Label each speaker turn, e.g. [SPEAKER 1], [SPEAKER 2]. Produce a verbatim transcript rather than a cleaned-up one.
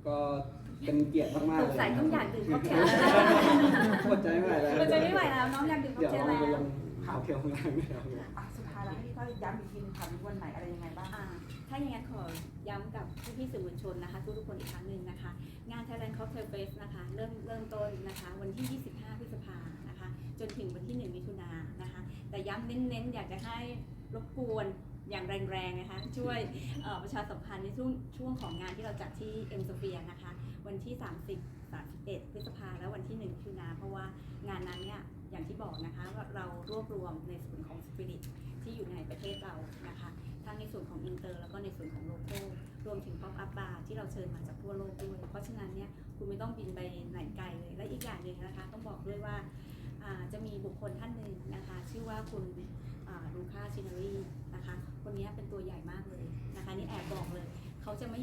[SPEAKER 1] ก็เป็นเกียรติมากๆ
[SPEAKER 2] ส
[SPEAKER 1] เลย
[SPEAKER 2] งสัยต้องอยากดื่มค็อกเทล
[SPEAKER 1] อดใจไม่ไหวแล้ว
[SPEAKER 2] อดใจไม่ไหวแล้วน้องอยากดื่มค็อก
[SPEAKER 1] เดี๋ยว
[SPEAKER 2] เทล
[SPEAKER 1] เรา
[SPEAKER 2] แล้ว
[SPEAKER 1] ไปลงข่าวเทลข้างล่างไม่เอา
[SPEAKER 3] อ่ะสุดท้ายแล้วให้พี่ต้อยย้ำอีกทีนึงค่ะมีวันไหนอะไรยังไงบ้าง
[SPEAKER 2] อ่าถ้าอย่างนั้นขอย้ำกับพี่ๆสื่อมวลชนนะคะทุกๆคนอีกครั้งหนึ่งนะคะ งาน Thailand Cocktail Fest นะคะเริ่มเริ่มต้นนะคะวันที่ ยี่สิบห้า พฤษภานะคะ จนถึงวันที่ หนึ่ง มิถุนายนนะคะ แต่ย้ำเน้นๆอยากจะให้รบกวนอย่างแรงๆนะคะช่วยประชาสัมพันธ์ในช่วงช่วงของงานที่เราจัดที่เอ็มโซเฟียนะคะวันที่ สามสิบ สามสิบเอ็ด พฤษภาและวันที่ หนึ่ง มิถุนายนเพราะว่างานนั้นเนี่ยอย่างที่บอกนะคะว่าเรารวบรวมในส่วนของสปิริตที่อยู่ในประเทศเรานะคะทั้งในส่วนของอินเตอร์แล้วก็ในส่วนของโลโก้รวมถึงป๊อปอัพบาร์ที่เราเชิญมาจากทั่วโลกด้วยเพราะฉะนั้นเนี่ยคุณไม่ต้องบินไปไหนไกลเลยและอีกอย่างหนึ่งนะคะต้องบอกด้วยว่าจะมีบุคคลท่านหนึ่งนะคะชื่อว่าคุณลูค่าชินารีนะคะคนนี้เป็นตัวใหญ่มากเลยนะคะนี่แอบบอกเลยเขาจะไม่